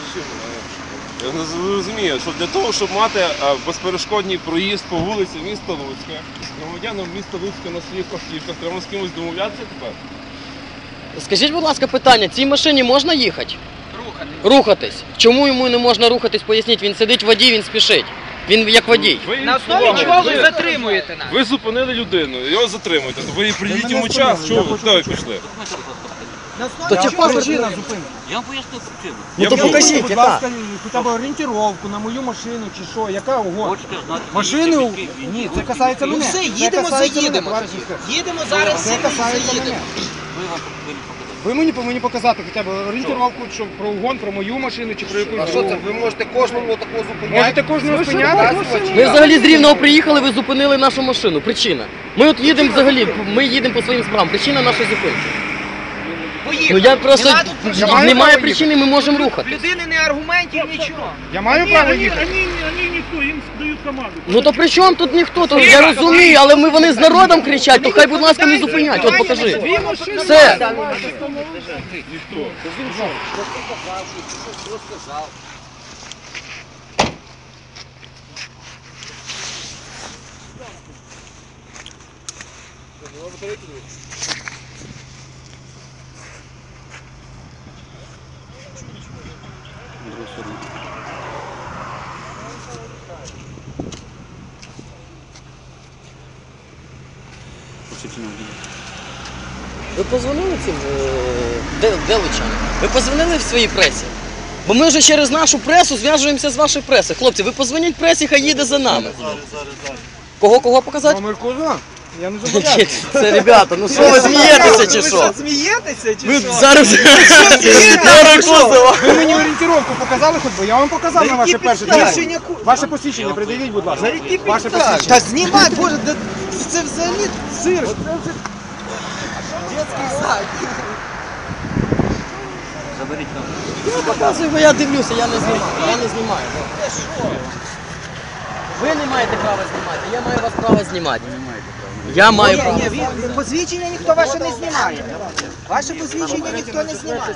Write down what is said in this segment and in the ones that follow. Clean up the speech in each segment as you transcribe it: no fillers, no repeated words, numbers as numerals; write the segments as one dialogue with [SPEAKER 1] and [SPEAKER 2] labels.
[SPEAKER 1] Я не розумію, що для того, щоб мати безперешкодний проїзд по вулиці міста Луцька, громадянам міста Луцька на своїх автівках, треба з кимось домовлятися тепер?
[SPEAKER 2] Скажіть, будь ласка, питання, цій машині можна їхати? Рухатись. Чому йому не можна рухатись, поясніть, він сидить водій, він спішить. Він як водій.
[SPEAKER 3] На основі чого ви затримуєте нас?
[SPEAKER 1] Ви зупинили людину, його затримуєте, то ви придіть йому час, чого ви туди пішли?
[SPEAKER 3] На основі чого причина зупинки?
[SPEAKER 4] Я вам поясню причину.
[SPEAKER 2] Ну то покажіть,
[SPEAKER 5] будь
[SPEAKER 2] яка.
[SPEAKER 5] ласка, хоча б орієнтировку на мою машину чи що, яка угодно.
[SPEAKER 4] Хочете знати,
[SPEAKER 5] Машину? Ні, це касається
[SPEAKER 3] Ну
[SPEAKER 5] мене.
[SPEAKER 3] все,
[SPEAKER 5] Це
[SPEAKER 3] їдемо,
[SPEAKER 5] касається
[SPEAKER 3] заїдемо.
[SPEAKER 5] мене, товариш інспектор.
[SPEAKER 3] Їдемо зараз,
[SPEAKER 5] Це
[SPEAKER 3] сідемо і
[SPEAKER 5] касається
[SPEAKER 3] заїдемо.
[SPEAKER 5] мене.
[SPEAKER 4] ви вам повинні показати.
[SPEAKER 5] Ви мені повинні показати хоча б орієнтировку, що про угон, про мою машину чи про якусь.
[SPEAKER 6] А що це? Ви можете кожного такого зупиняти?
[SPEAKER 5] Можете кожного спиняти?
[SPEAKER 2] Ви взагалі з Рівного приїхали, ви зупинили нашу машину. Причина. Ми от їдемо взагалі, ми їдемо по своїм справам. Причина нашої зупинки.
[SPEAKER 3] Поїхали.
[SPEAKER 2] Ну я просто,
[SPEAKER 5] Я маю
[SPEAKER 2] немає
[SPEAKER 5] право
[SPEAKER 2] причини, ми можемо
[SPEAKER 3] В
[SPEAKER 2] рухати.
[SPEAKER 3] людини не аргументів, нічого.
[SPEAKER 5] Я маю право їхати.
[SPEAKER 7] Они никто, им дают команду.
[SPEAKER 2] Ну то при чому тут ніхто? То я розумію, але вони з народом кричать, то хай, будь ласка, не зупинять. От покажи. Все. Ви позвонили цим деличам? Ви позвонили в своїй пресі? Бо ми вже через нашу пресу зв'яжуємося з вашою пресою. Хлопці, ви позвоніть пресі, хай їде за нами. Кого показати?
[SPEAKER 5] Номер кузова? Я не зобов'язаний.
[SPEAKER 2] Це, ребята, ну що ви смієтеся чи що?
[SPEAKER 3] Смієтеся чи
[SPEAKER 2] Ви
[SPEAKER 3] що?
[SPEAKER 2] зараз номер кузова.
[SPEAKER 5] Ви мені орієнтировку показали хоч би? Я вам показав на ваше перше
[SPEAKER 3] підставі?
[SPEAKER 5] Ваше посвідчення придивіть, будь ласка. Ваше
[SPEAKER 3] Та
[SPEAKER 5] посвідчення.
[SPEAKER 3] знімай, боже, це взагалі цирк. Детський сад.
[SPEAKER 4] Заберіть там.
[SPEAKER 2] Ну, показуй, бо я дивлюся, я не знімаю. Я не знімаю. Ви не маєте права знімати, я маю вас право знімати. Я маю право.
[SPEAKER 3] Ні, посвідчення ніхто ваше не знімає. Ваше посвідчення ніхто не знімає.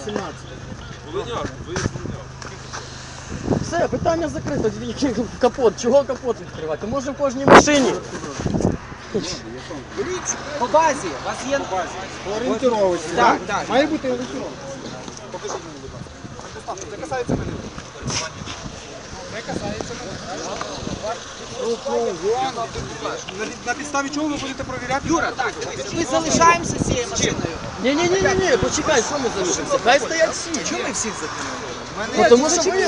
[SPEAKER 2] Все, питання закрито. Капот. Чого капот відкривати? Може в кожній машині.
[SPEAKER 3] По базі, у вас є...
[SPEAKER 5] Орієнтировочку,
[SPEAKER 3] Так,
[SPEAKER 5] так?
[SPEAKER 3] так.
[SPEAKER 5] Має бути орієнтировка. Покажіть мені, будь ласка. Це касається мене. Це касається мене. На підставі чого ви будете перевіряти?
[SPEAKER 3] Юра, так, ми залишаємося з цією машиною.
[SPEAKER 2] Ні, почекай, що ми залишимося? Хай стоять всі.
[SPEAKER 3] Чому ми всіх затримали?
[SPEAKER 2] Ну, тому що ви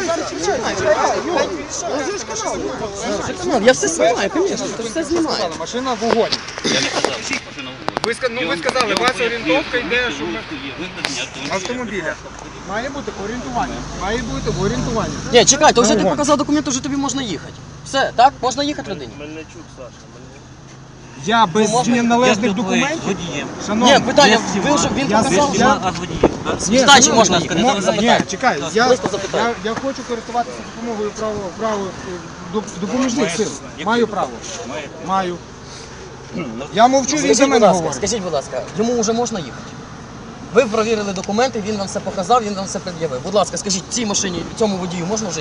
[SPEAKER 2] канал, я все знімаю, звісно, це все знімаю.
[SPEAKER 5] Машина в угоні.
[SPEAKER 4] Я не казав, машина в угоні.
[SPEAKER 5] Ви сказали, у вас орієнтовка йде, що
[SPEAKER 4] Викладення
[SPEAKER 5] автомобіля. Має бути орієнтування. Має бути орієнтування.
[SPEAKER 2] Ні, чекай, то вже ти показав документ, вже тобі можна їхати. Все, так? Можна їхати людині?
[SPEAKER 5] Я без належних
[SPEAKER 4] Я
[SPEAKER 5] документів?
[SPEAKER 4] з водієм.
[SPEAKER 5] Шановний,
[SPEAKER 2] Ні, питання, ви вже, він
[SPEAKER 5] Я
[SPEAKER 2] показав,
[SPEAKER 5] здійснюю-
[SPEAKER 2] вже
[SPEAKER 4] А з водієм.
[SPEAKER 2] здачі можна їхати.
[SPEAKER 5] Ні, чекай,
[SPEAKER 2] Просто запитай.
[SPEAKER 5] я хочу користуватися допомогою допоміжних сил. Маю право. Маю. Я мовчу, він за мене говорить.
[SPEAKER 2] Скажіть, будь ласка, йому вже можна їхати? Ви провірили документи, він вам все показав, він вам все пред'явив. Будь ласка, скажіть, цій машині, цьому водію можна вже